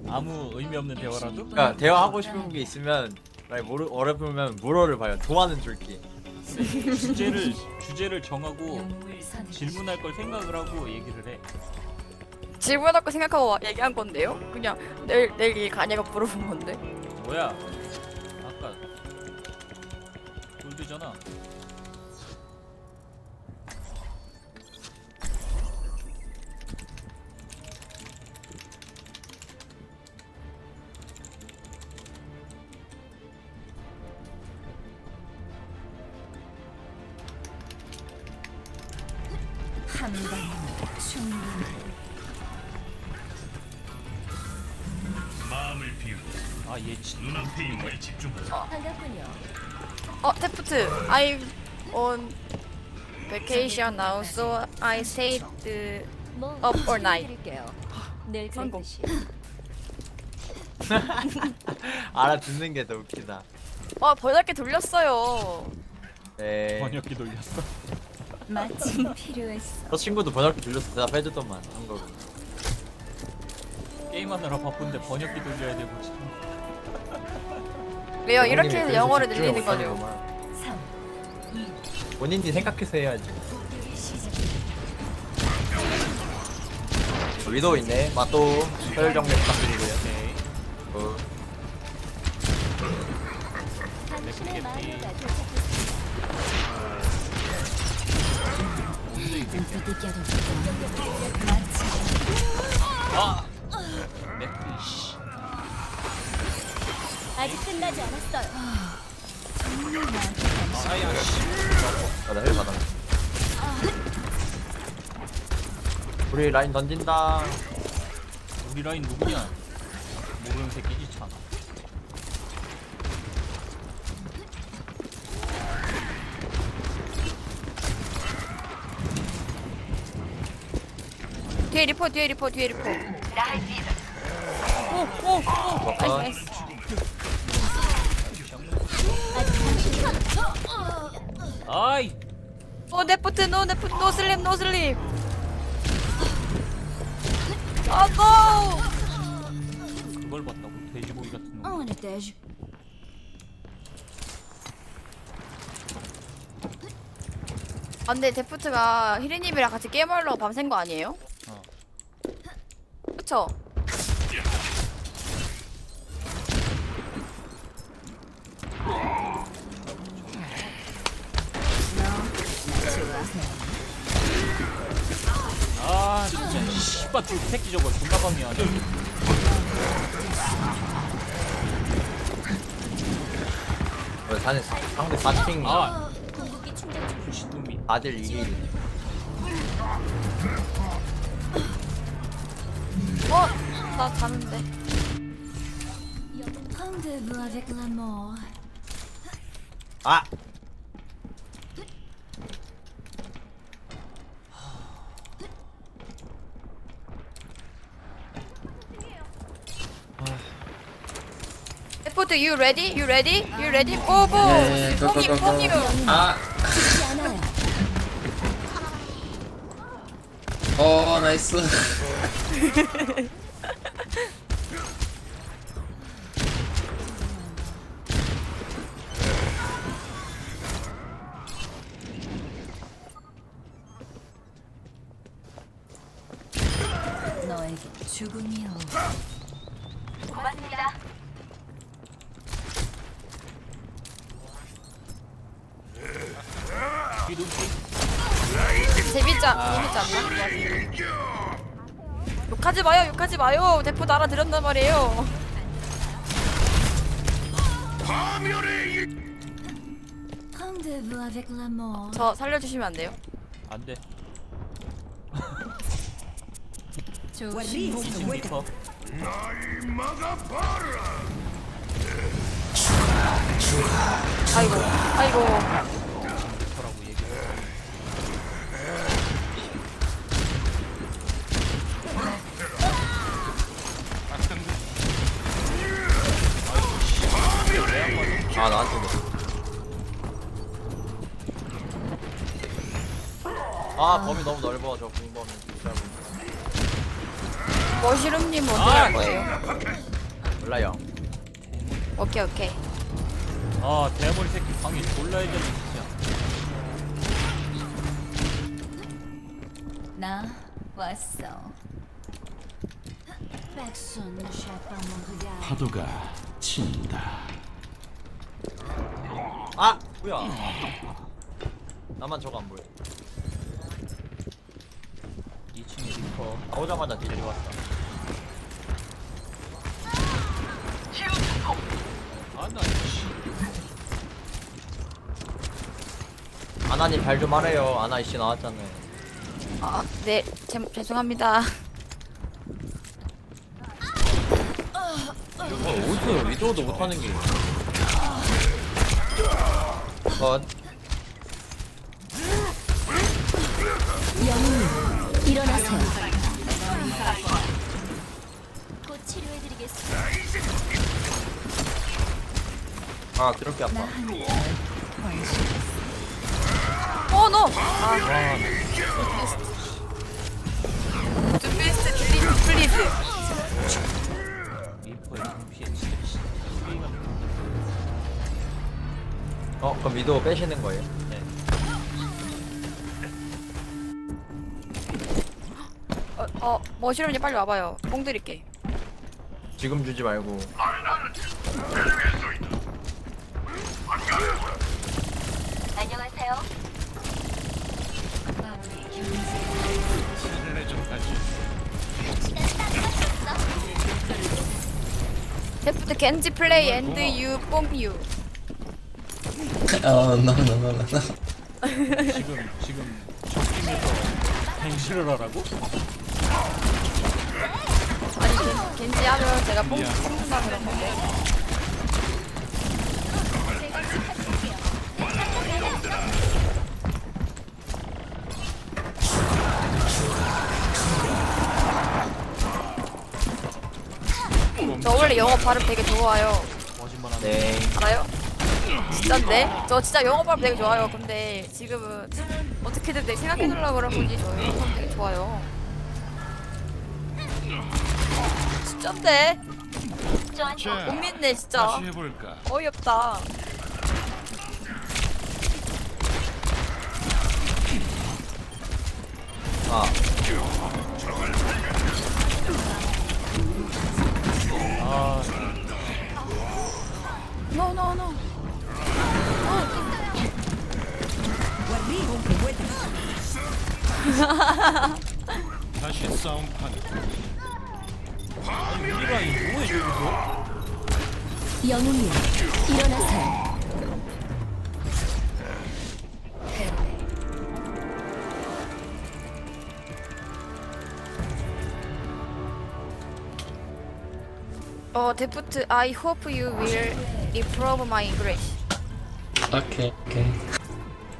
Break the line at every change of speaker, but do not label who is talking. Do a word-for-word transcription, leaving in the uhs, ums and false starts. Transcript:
아무 의미 없는 대화라도?
그러니까 대화하고 싶은 게 있으면 말 모르 어렵으면 물어를 봐요. 도와는 줄게.
주제를 주제를 정하고 질문할 걸 생각을 하고 얘기를 해.
질문할 거 생각하고 얘기한 건데요? 그냥 내일 내일 일 가냐고 물어본 건데.
뭐야? 아까 골드잖아.
한 방이면 충분해.
마음을 비우고
아얘 진.
눈앞에 있는 거에 집중하자.
반갑군요.
어 테프트. I'm on vacation now, so I stayed uh,
뭐
Up or night?
드릴게요. 늘
성공.
그랬듯이.
알아듣는 게 더 웃기다.
어 번역기 돌렸어요.
네.
번역기 돌렸어.
마침 필요했어.
저 친구도 번역기 들려서 대답해주더만 한국어.
게임하느라 바쁜데 번역기 돌려야 되고 지금.
왜요? 이렇게 해서
그래서
영어를
집중을
늘리는 거죠.
못하는구만.
삼,
본인이 생각해서 해야지.
공격의 시작.
위도 있네. 마또 서열 정리 부탁드리고요.
오케이.
어.
당신의 마누가 도착했습니다.
아. 맥피쉬.
아직 끝나지 않았어요.
아야 씨.
아, 나힐 받아. 우리 라인 던진다.
우리 라인 누구냐? 모르는 새끼지 참.
뒤에 리포, 뒤에 리포, 뒤에 리포. 오, 오, 오. 나이스, 나이스.
아이.
오 네프트, 노 네프트, 노 슬립, 노 슬립. 아, 노!
그걸 봤다고 돼지고기 같은 놈.
On était.
아, 근데 데프트가 히리님이랑 같이 게임하려고 밤샌 거 아니에요?
어.
그쵸?
아 진짜 씨발 그 새끼 저거 존나 밤이야.
어, 상대 상대 사칭
아
궁극기 충전 중.
부시놈이.
다들 이 일.
어? 나 자는데.
Rendez-vous avec l'amour.
아.
데프트, you ready? You ready? You ready? 고, 고!
네, 고, 고,
뽕이,
고, 고.
뽕이요.
아,
죽지 않아요.
어, 나이스.
너에게 죽음이요.
뒤도
재밌자, 재밌지 않나? 욕하지 마요, 욕하지 마요. 데프트 알아들었단 말이에요.
Rendez-vous avec l'amour.
저 살려주시면 안 돼요?
안 돼.
조심.
리퍼.
아이고, 아이고.
리퍼라고 얘기해.
아 나한테. 아 범위 너무 넓어 저 공범이.
머시룸님 어디
아,
갈 거예요?
몰라요.
오케이 오케이.
아 대머리 새끼 방이 졸라 해졌네 진짜.
나 왔어. Personne ne chape à mon regard.
파도가 친다.
아 뭐야? 나만 저거 안 보여.
이 층에 리퍼.
나오자마자 딜이 왔어.
아나
아나님 발 좀 하래요. 아나 이씨 나왔잖아요.
아, 네, 제, 죄송합니다.
어, 어디서 위도도 못하는 게. 컷.
영웅님, 일어나세요. 곧 치료해드리겠습니다.
아 그렇게 아파.
어, 너! 아, 둠비스트 딜리트 플리즈.
리퍼의 눈피해 진짜 씨. 게임을
어 그럼 위도 빼시는 거예요?
네.
어, 어, 머시룸님 빨리 와봐요. 뽕 드릴게.
지금 주지 말고.
안녕하세요. 데프트 겐지 플레이 앤드 유 뽕유.
어, no, no, no, no.
지금 지금 적팀에서 갱신을 하라고?
아니 겐, 겐지 하면 제가 뽕 뽑는다 그런 건데. 저 원래 영어 발음 되게 좋아요.
거짓말하는.
네.
알아요? 진짠데? 저 진짜 영어 발음 되게 좋아요. 근데 지금은 어떻게든 내 생각해주려고 그런 거지. 저 영어 발음 되게 좋아요. 진짠데? 못 믿네 진짜.
해볼까?
어이없다.
아
아
No no no.
다시 싸움판.
우리가 이 뭐해 저기서?
영웅님, 일어나세요.
어, 데프트, I hope you will improve my English.
Okay, okay.